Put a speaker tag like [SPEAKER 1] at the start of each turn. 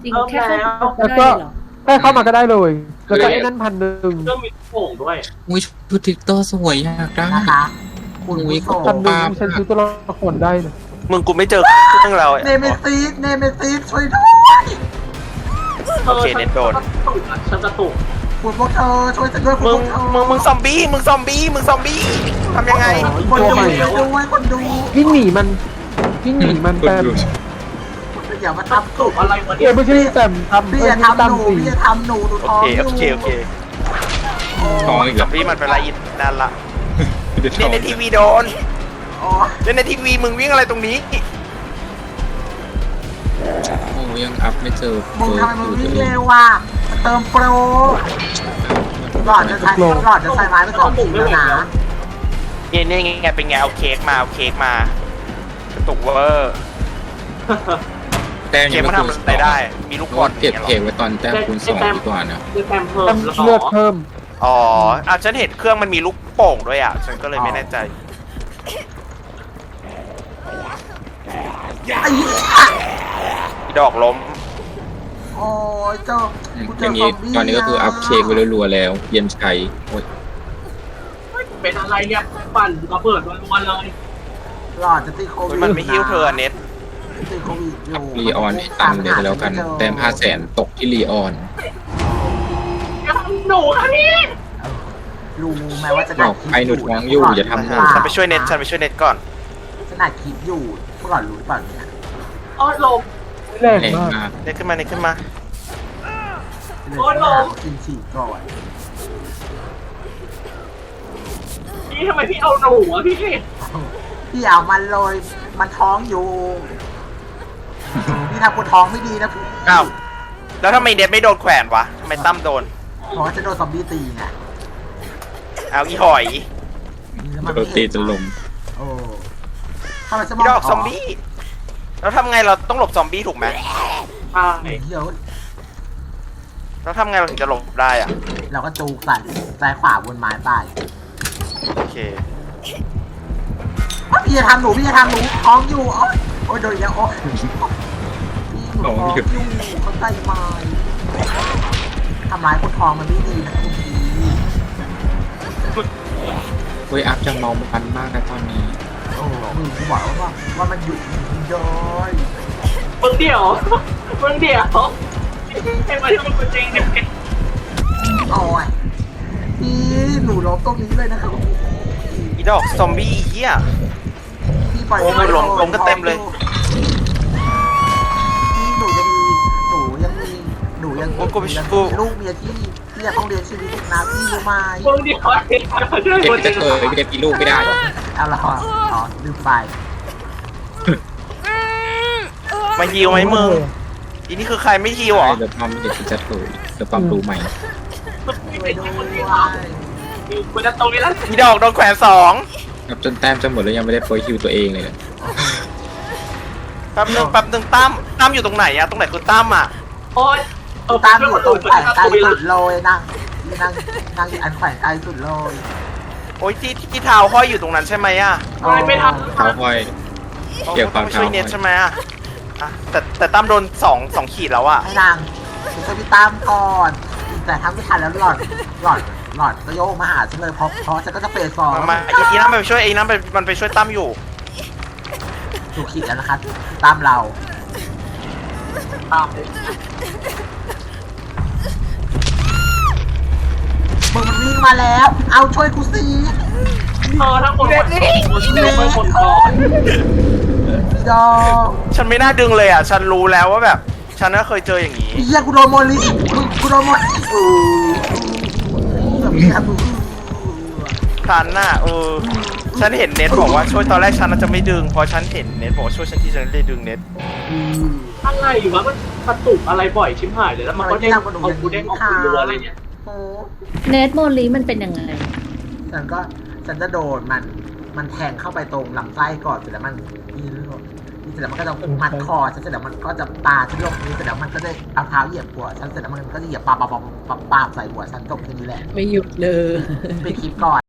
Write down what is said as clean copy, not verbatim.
[SPEAKER 1] ริง
[SPEAKER 2] เริ่ม
[SPEAKER 1] แค่เข้า
[SPEAKER 2] แล้ว
[SPEAKER 1] ก็ได้เหรอ
[SPEAKER 3] แค่เข้ามาก็ได้เลย แล้วก็ไอ้นั่น1,000
[SPEAKER 2] เครื่องมีโป่งด้วย
[SPEAKER 4] อุ้ยชุดทิกเตอร์สวยอยากได้
[SPEAKER 5] นะคะคุณ
[SPEAKER 4] อุ้ย
[SPEAKER 5] ผู้ชม
[SPEAKER 3] 1,000ฉันซื้อตัวละครได้นะ
[SPEAKER 6] มึงกูไม่เจอเครื่องเรา
[SPEAKER 5] เนเมซิสช่วยด้วย
[SPEAKER 6] โอเคเน็ตโดน
[SPEAKER 2] ฉันกระตุก
[SPEAKER 5] คุณพวกเธอช่วยฉันด้วยคุณ
[SPEAKER 6] มึ
[SPEAKER 5] พ
[SPEAKER 6] ง
[SPEAKER 5] วกเธอ
[SPEAKER 6] มึงซอมบี้มึงซอมบี้ทำยังไง
[SPEAKER 5] คนดูด้วยคนดู
[SPEAKER 3] วิ่งหนีมันวิ่งหนีมันแต่
[SPEAKER 5] อย่ามาทำ
[SPEAKER 2] ตุกอะไรวะ
[SPEAKER 3] เอ
[SPEAKER 2] เนี่ย
[SPEAKER 3] ไม่ใช่แต่ทำ
[SPEAKER 5] พี่
[SPEAKER 3] เพื่อ
[SPEAKER 5] อย่า
[SPEAKER 3] ที่
[SPEAKER 5] ทำหนู
[SPEAKER 3] ตำสี
[SPEAKER 5] พี่อย่าทำหนูดู
[SPEAKER 6] โอ
[SPEAKER 5] ท้อง
[SPEAKER 6] เค
[SPEAKER 5] อยู่
[SPEAKER 6] โอเคโอเค
[SPEAKER 4] ท้องอีก
[SPEAKER 6] ซ
[SPEAKER 4] แล้
[SPEAKER 6] อ
[SPEAKER 4] ว
[SPEAKER 6] มบี้มันเป็นไรอินนั่นละ
[SPEAKER 4] ท้
[SPEAKER 6] เนี่
[SPEAKER 4] อย ง
[SPEAKER 6] ในทีวีโดน
[SPEAKER 5] อ๋อ
[SPEAKER 6] เนี่ยในทีวีมึงวิ่งอะไรตรงนี้
[SPEAKER 4] โอ้ยังอัพไม่เจอ
[SPEAKER 5] มึงทำไมมึงวิ่งเร็วว่ะเติมโปรหลอดจะใช้ไม้ไป2 ทีแล้วนะ
[SPEAKER 6] เนี่ยไงเป็นไงเอาเค้กมากระตุกเวอร์
[SPEAKER 4] แต้ม
[SPEAKER 6] เค้
[SPEAKER 4] ยั
[SPEAKER 6] ก
[SPEAKER 4] ง
[SPEAKER 6] มัน
[SPEAKER 4] ไม่
[SPEAKER 6] ทำอะไรได้ มีลูกบอล
[SPEAKER 4] เก็บเค้กไว้ตอนแต้มคูณ 2ดีกว่านะ
[SPEAKER 2] คือแซมเพิ่ม
[SPEAKER 3] เลือดเพิ่ม
[SPEAKER 6] อ๋อฉันเห็นเครื่องมันมีลูกโป่งด้วยอ่ะฉันก็เลยไม่แน่ใจ
[SPEAKER 5] ไอ้เหี้ย
[SPEAKER 6] ดอกล้ม
[SPEAKER 5] โอ้ยเจ้า
[SPEAKER 4] อย่างนี้ตอนนี้ก็คืออัพเค้กไว้รัวๆแล้วเย็นชัยโอ้ย
[SPEAKER 2] เป็นอะไรเนี่ยปั่นระเบิดรัวๆเลย
[SPEAKER 5] หลอดจะติดโควิด
[SPEAKER 6] มันไม่หิ้วเธอเน็ต
[SPEAKER 5] ติดโควิดอยู่
[SPEAKER 4] รีออนให้ตังค์เดี๋ยวแล้วกันแต้ม500,000ตกที่รีออน
[SPEAKER 2] อย่าทำหนูค่ะพี่
[SPEAKER 5] รู้ไหมว่าจะ
[SPEAKER 4] บอกไอ้หนูท้องอยู่อย่าทำหนู
[SPEAKER 6] ฉันไปช่วยเน็ตก่อน
[SPEAKER 5] ขนาดคิดอยู่พวกหลอดรู้ป่ะเนี่ย
[SPEAKER 2] อ้อลม
[SPEAKER 3] แรง
[SPEAKER 4] แรง
[SPEAKER 3] มาก
[SPEAKER 4] มาก
[SPEAKER 6] เน็ตขึ้นมา
[SPEAKER 2] โอ้ยลง
[SPEAKER 5] กินฉี่ก่อน
[SPEAKER 2] พี่ทำไมพี่เอาหนูอะพี่
[SPEAKER 5] พี่เอามันเลยมันท้องอยู่พี่ทำกูท้องไม่ดีนะพี่
[SPEAKER 6] อ้าวแล้วทำไมเน็ตไม่โดนแขวนวะทำไมตั้มโดน
[SPEAKER 5] เพราะว่าจะโดนซอมบี้ตีไง
[SPEAKER 6] เอาอีหอย
[SPEAKER 5] แล้วมัน
[SPEAKER 4] โด
[SPEAKER 5] ไม่
[SPEAKER 4] น
[SPEAKER 5] เห็น
[SPEAKER 4] ตีจนลม
[SPEAKER 5] โอ้ทำไมสม
[SPEAKER 6] อี
[SPEAKER 5] อง
[SPEAKER 6] ดอกซอมบี้แล้วทำไงเราต้องหลบซอมบี้ถูกไหม
[SPEAKER 2] ใช่
[SPEAKER 5] เดี๋ยว
[SPEAKER 6] แล้วทำไงเราถึงจะหลบได้อ่ะ
[SPEAKER 5] เราก็จูกใส่ซ้ายขวาบนไม้ไป
[SPEAKER 6] โอเค
[SPEAKER 5] พี่จะทำหนูท้องอยู่โอ้ยโดนอีกแล้วโอ้ยพี่หนูท้องอยู่เขาใส่ไม้ทำร้ายคนท้องมันไม่ดีนะคุณพี่
[SPEAKER 4] เฮ้ยอัพจะเมามันมากนะตอนนี้
[SPEAKER 5] โอ้มึงกูบอกว่ามันหยุดย้อย
[SPEAKER 2] มึงเดี่ยวให้มาที่มันเป็นจริงเนี่ย
[SPEAKER 5] โอ้ยพี่หนูล้มตรงนี้เลยนะครับ
[SPEAKER 6] อีดอกซอมบี้เหี้ย
[SPEAKER 5] พี่ปล่อย
[SPEAKER 6] โอ้ยล้มกันเต็มเลย
[SPEAKER 5] พี่หนูยังมีลูกเมียที่ยังต้องเรียนชีวิตอีกนะพี่รู้ไหม
[SPEAKER 2] มึงเดี่ยว
[SPEAKER 4] เก็บจะเคยไม่ได้ปีลูกไม่ได้
[SPEAKER 5] เอาละอ๋อลืมไป
[SPEAKER 6] มาฮิวไหมมึงอีนี่คือใครไม่ฮิวเหรอ
[SPEAKER 4] เดี๋ยวปั๊มเดี๋ยวจะเคยเดี๋ยวปั๊มรู้ใหม่
[SPEAKER 5] ไปด้วย
[SPEAKER 2] กูจะตรงนี้แล้ว
[SPEAKER 6] อีดอกโดนแขวน2
[SPEAKER 4] นับจนแต้มจะหมดแล้วยังไม่ได้โปรยคิวตัวเองเลย
[SPEAKER 6] แป๊บนึงตั้มอยู่ตรงไหนอะตรงไหนคือตั้มอะ
[SPEAKER 2] โอ๊ย
[SPEAKER 5] ตามอยู่ตรงแขวนไกลสุดเลยนั่งอยู่อันแขวนไกลสุดเลย
[SPEAKER 6] โอ้ยที่เท้าห้อยอยู่ตรงนั้นใช่ไหมอะ
[SPEAKER 2] ไม่ท
[SPEAKER 4] เท้าห้อย เกี่ยวกับ
[SPEAKER 6] ต้องช่วย
[SPEAKER 4] เท้า
[SPEAKER 6] เน็ตใช่ไหมอะแต่ตั้มโดน2ขีดแล้วอะ
[SPEAKER 5] ให้นางช่วยพี่ตามก่อนแต่ทำไม่ทันแล้วหลอดก็โยกมาหาฉันเลยเพราะฉันก็จะเฟส2
[SPEAKER 6] มาอีนั่นไปช่วยไอ้นั่นมันไปช่วยตั้มอยู่
[SPEAKER 5] ถูกขีดแล้วนะคะตามเรา
[SPEAKER 2] ำตาม
[SPEAKER 5] มึงมันวิ่งมาแล้ว เอาช่วยกูสิ
[SPEAKER 2] ทั้งหมดไม่หมดก่อน
[SPEAKER 5] พี่ดอก
[SPEAKER 6] ฉันไม่น่าดึงเลยอะฉันรู้แล้วว่าแบบฉันก็เคยเจออย่างนี้
[SPEAKER 5] เฮียกูโดนโมลิกูโดนโมลิ
[SPEAKER 6] ฉันน่ะฉันเห็นเน็ตบอกว่าช่วยตอนแรกฉันจะไม่ดึงพอฉันเห็นเน็ตบอกว่าช่วยฉันที่ฉันเลยดึงเน็ต
[SPEAKER 2] อะไรวะมันกระตุกอะไรบ่อยชิบหายเลยแล้วมันก็เด้งออกกูเด้งออกกูอะไรเนี่ย
[SPEAKER 5] โอ้
[SPEAKER 1] เนทโมลีมันเป็นยังไง
[SPEAKER 5] ฉันจะโดนมันแทงเข้าไปตรงลำไส้ก่อนเสร็จแล้วมันเสร็จแล้วมันก็จะมัดคอฉันเสร็จแล้วมันก็จะปาฉันลงนี้เสร็จแล้วมันก็จะเอาเท้าเหยียบหัวฉันเสร็จแล้วมันก็จะเหยียบปาใส่หัวฉันจบแค่นี้แหละ
[SPEAKER 1] ไม่หยุดเลย
[SPEAKER 5] ไปคลิปก่อน